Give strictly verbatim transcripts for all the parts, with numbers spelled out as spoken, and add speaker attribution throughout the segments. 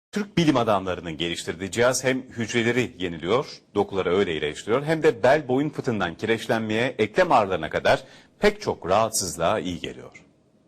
Speaker 1: Türk bilim adamlarının geliştirdiği cihaz hem hücreleri yeniliyor, dokuları öyle iyileştiriyor, hem de bel boyun fıtığından kireçlenmeye, eklem ağrılarına kadar pek çok rahatsızlığa iyi geliyor.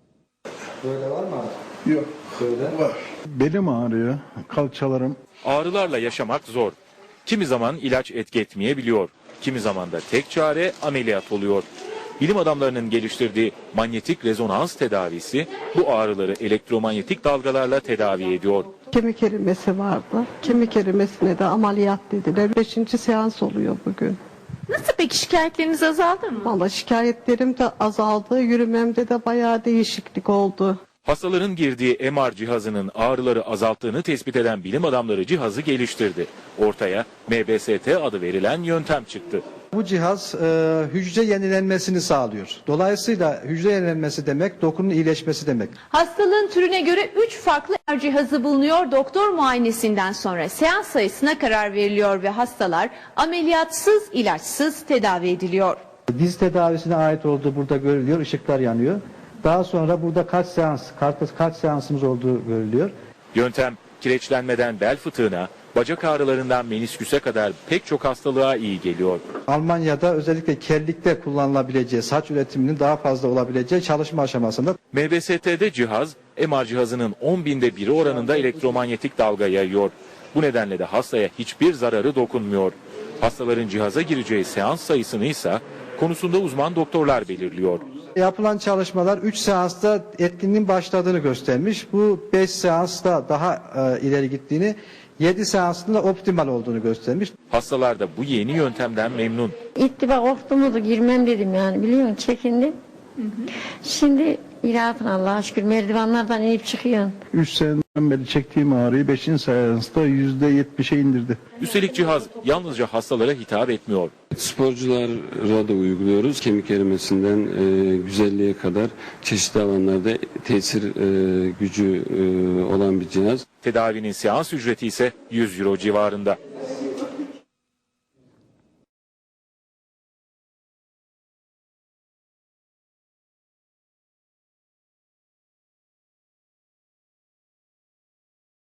Speaker 2: Böyle var mı abi?
Speaker 3: Yok.
Speaker 2: Böyle.
Speaker 3: Var. Belim ağrıyor, kalçalarım.
Speaker 4: Ağrılarla yaşamak zor. Kimi zaman ilaç etki etmeyebiliyor. Kimi zaman da tek çare ameliyat oluyor. Bilim adamlarının geliştirdiği manyetik rezonans tedavisi bu ağrıları elektromanyetik dalgalarla tedavi ediyor.
Speaker 5: Kemik erimesi vardı. Kemik erimesine de ameliyat dediler. Beşinci seans oluyor bugün.
Speaker 6: Nasıl peki, şikayetleriniz azaldı mı?
Speaker 5: Valla şikayetlerim de azaldı. Yürümemde de bayağı değişiklik oldu.
Speaker 4: Hastaların girdiği M R cihazının ağrıları azalttığını tespit eden bilim adamları cihazı geliştirdi. Ortaya M B S T adı verilen yöntem çıktı.
Speaker 2: Bu cihaz e, hücre yenilenmesini sağlıyor. Dolayısıyla hücre yenilenmesi demek dokunun iyileşmesi demek.
Speaker 6: Hastalığın türüne göre üç farklı M R cihazı bulunuyor. Doktor muayenesinden sonra seans sayısına karar veriliyor ve hastalar ameliyatsız, ilaçsız tedavi ediliyor.
Speaker 2: Diz tedavisine ait olduğu burada görülüyor. Işıklar yanıyor. Daha sonra burada kaç seans, kaç, kaç seansımız olduğu görülüyor.
Speaker 4: Yöntem kireçlenmeden bel fıtığına, bacak ağrılarından menisküse kadar pek çok hastalığa iyi geliyor.
Speaker 2: Almanya'da özellikle kellikte kullanılabileceği, saç üretiminin daha fazla olabileceği çalışma aşamasında.
Speaker 4: M B S T'de cihaz, M R cihazının on binde biri oranında elektromanyetik dalga yayıyor. Bu nedenle de hastaya hiçbir zararı dokunmuyor. Hastaların cihaza gireceği seans sayısını ise konusunda uzman doktorlar belirliyor.
Speaker 2: Yapılan çalışmalar üç seansta etkinliğin başladığını göstermiş. Bu beş seansta daha e, ileri gittiğini, yedi seansında optimal olduğunu göstermiş.
Speaker 4: Hastalar da bu yeni yöntemden memnun.
Speaker 7: İlk defa korktuğumda girmem dedim yani, biliyor musun, çekindim. Hı hı. Şimdi rahatım Allah'a şükür, merdivenlerden inip çıkıyorum.
Speaker 3: Üç seneden beri çektiğim ağrıyı beşinci seansta yüzde yetmişe indirdi.
Speaker 4: Üstelik cihaz yalnızca hastalara hitap etmiyor.
Speaker 8: Sporculara da uyguluyoruz. Kemik erimesinden e, güzelliğe kadar çeşitli alanlarda tesir e, gücü e, olan bir cihaz.
Speaker 4: Tedavinin seans ücreti ise yüz euro civarında.